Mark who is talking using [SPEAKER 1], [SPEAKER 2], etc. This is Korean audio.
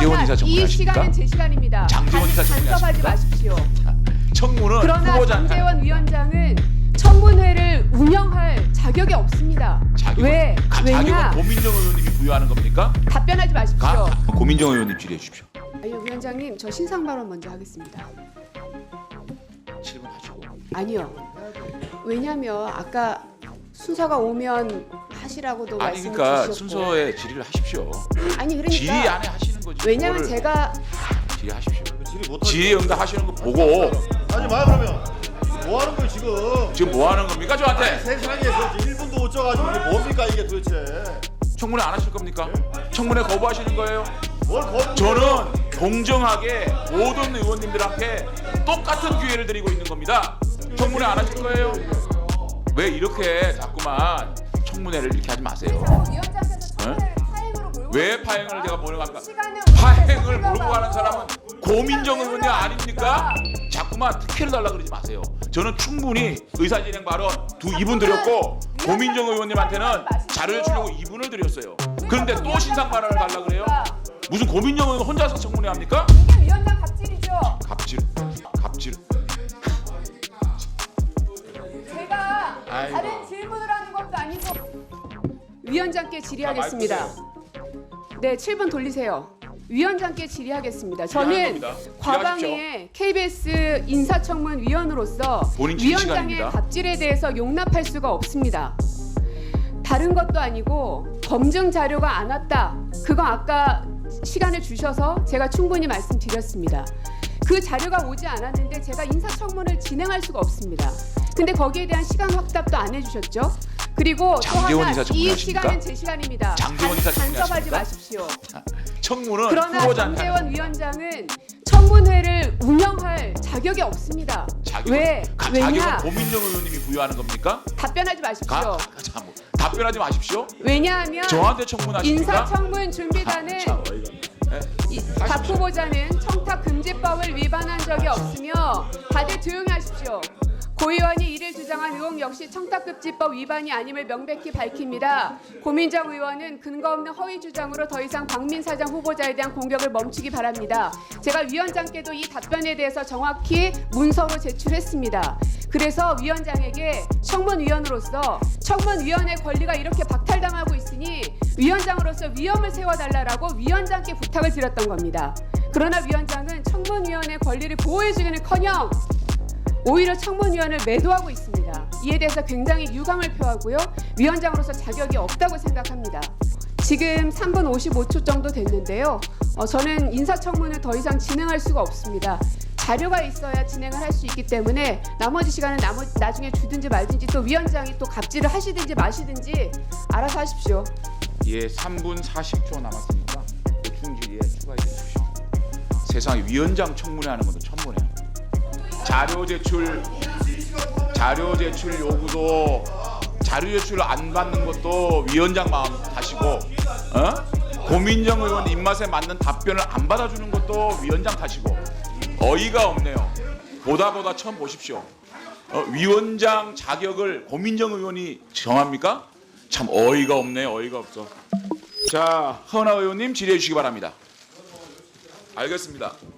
[SPEAKER 1] 장제원 이사 청문회
[SPEAKER 2] 이
[SPEAKER 1] 하십니까?
[SPEAKER 2] 시간은 제 시간입니다.
[SPEAKER 1] 장제원 이사 청문회
[SPEAKER 2] 간섭하지
[SPEAKER 1] 하십니까?
[SPEAKER 2] 마십시오.
[SPEAKER 1] 청문은
[SPEAKER 2] 그러나
[SPEAKER 1] 후보자한테
[SPEAKER 2] 장제원 위원장은 청문회를 운영할 자격이 없습니다. 왜?
[SPEAKER 1] 자격은
[SPEAKER 2] 왜냐?
[SPEAKER 1] 고민정 의원님이 부여하는 겁니까?
[SPEAKER 2] 답변하지 마십시오.
[SPEAKER 1] 고민정 의원님 질의해 주십시오.
[SPEAKER 2] 아니요, 위원장님, 저 신상 발언 먼저 하겠습니다.
[SPEAKER 1] 7분 하시고.
[SPEAKER 2] 아니요. 왜냐면 아까 순서가 오면 하시라고도
[SPEAKER 1] 아니
[SPEAKER 2] 말씀을
[SPEAKER 1] 그러니까
[SPEAKER 2] 주셨고.
[SPEAKER 1] 순서에 질의를 하십시오.
[SPEAKER 2] 아니 그러니까
[SPEAKER 1] 질의 안에 하시는 거지.
[SPEAKER 2] 왜냐면
[SPEAKER 1] 그거를
[SPEAKER 2] 제가
[SPEAKER 1] 질의하십시오.
[SPEAKER 3] 질의 못
[SPEAKER 1] 질의 응답하시는 거 보고
[SPEAKER 3] 하지 마 그러면. 뭐 하는 거야 지금?
[SPEAKER 1] 지금 뭐 하는 겁니까 저한테?
[SPEAKER 3] 세상에 그 1분도 못 쪄가지고 이게 뭡니까 이게 도대체?
[SPEAKER 1] 청문회 안 하실 겁니까? 청문회 거부하시는 거예요?
[SPEAKER 3] 뭘 거부?
[SPEAKER 1] 저는 공정하게 모든 의원님들한테 똑같은 기회를 드리고 있는 겁니다. 청문회 안 하실 거예요? 왜 이렇게 자꾸만 청문회를 이렇게 하지 마세요.
[SPEAKER 2] 위원장께서 청문회를 파행으로 몰고
[SPEAKER 1] 왜 파행을 제가 몰고 갑니까?
[SPEAKER 2] 시간을
[SPEAKER 1] 파행을 몰고 가는 사람은 고민정 의원님 아닙니까? 자꾸만 특혜를 달라 그러지 마세요. 저는 충분히 의사진행 발언 2분 드렸고 고민정 의원님한테는 자료를 주려고 2분을 드렸어요. 그런데 또 신상 발언을 달라 그래요? 무슨 고민정 의원 혼자서 청문회 합니까?
[SPEAKER 2] 이게 위원장 갑질이죠.
[SPEAKER 1] 갑질.
[SPEAKER 2] 제가
[SPEAKER 1] 아이고.
[SPEAKER 2] 다른 질문을 하는 것도 아니고 위원장께 질의하겠습니다. 네, 7분 돌리세요. 위원장께 질의하겠습니다. 저는
[SPEAKER 1] 겁니다.
[SPEAKER 2] 과방위의 KBS 인사청문위원으로서
[SPEAKER 1] 본인 질의
[SPEAKER 2] 위원장의
[SPEAKER 1] 시간입니다.
[SPEAKER 2] 갑질에 대해서 용납할 수가 없습니다. 다른 것도 아니고 검증 자료가 안 왔다. 그거 아까 시간을 주셔서 제가 충분히 말씀드렸습니다. 그 자료가 오지 않았는데 제가 인사청문을 진행할 수가 없습니다. 근데 거기에 대한 시간 확답도 안 해주셨죠? 그리고 또
[SPEAKER 1] 장제원
[SPEAKER 2] 하나,
[SPEAKER 1] 이사 청문회
[SPEAKER 2] 이
[SPEAKER 1] 하십니까?
[SPEAKER 2] 시간은 제 시간입니다.
[SPEAKER 1] 장제원 이사 청문회
[SPEAKER 2] 간섭하지
[SPEAKER 1] 하십니까?
[SPEAKER 2] 마십시오.
[SPEAKER 1] 청문은
[SPEAKER 2] 그러나
[SPEAKER 1] 후보자한테
[SPEAKER 2] 장제원 위원장은 청문회를 운영할 자격이 없습니다. 왜?
[SPEAKER 1] 자격은
[SPEAKER 2] 왜냐?
[SPEAKER 1] 고민정 의원님이 부여하는 겁니까?
[SPEAKER 2] 답변하지 마십시오.
[SPEAKER 1] 답변하지 마십시오.
[SPEAKER 2] 왜냐하면
[SPEAKER 1] 저한테 청문하십니까?
[SPEAKER 2] 인사청문 준비단은
[SPEAKER 1] 참 어이가 없네.
[SPEAKER 2] 박 후보자는 청탁금지법을 위반한 적이 없으며 다들 조용히 하십시오. 고 의원이 이를 주장한 의혹 역시 청탁금지법 위반이 아님을 명백히 밝힙니다. 고민정 의원은 근거 없는 허위 주장으로 더 이상 박민 사장 후보자에 대한 공격을 멈추기 바랍니다. 제가 위원장께도 이 답변에 대해서 정확히 문서로 제출했습니다. 그래서 위원장에게 청문위원으로서 청문위원의 권리가 이렇게 박탈당하고 있으니 위원장으로서 위험을 세워달라고 위원장께 부탁을 드렸던 겁니다. 그러나 위원장은 청문위원의 권리를 보호해주기는커녕 오히려 청문위원을 매도하고 있습니다. 이에 대해서 굉장히 유감을 표하고요. 위원장으로서 자격이 없다고 생각합니다. 지금 3분 55초 정도 됐는데요. 저는 인사청문을 더 이상 진행할 수가 없습니다. 자료가 있어야 진행을 할 수 있기 때문에 나머지 시간은 나중에 주든지 말든지 또 위원장이 또 갑질을 하시든지 마시든지 알아서 하십시오.
[SPEAKER 1] 예, 3분 40초 남았으니까 보충 질의에 추가해 주십시오. 세상에 위원장 청문회하는 것도 처음 보네요. 자료 제출 요구도 자료 제출 안 받는 것도 위원장 마음 탓이고, 고민정 의원 입맛에 맞는 답변을 안 받아주는 것도 위원장 탓이고, 어이가 없네요. 보다 처음 보십시오. 위원장 자격을 고민정 의원이 정합니까? 참 어이가 없네요. 어이가 없어. 자, 허은하 의원님 질의해 주시기 바랍니다. 알겠습니다.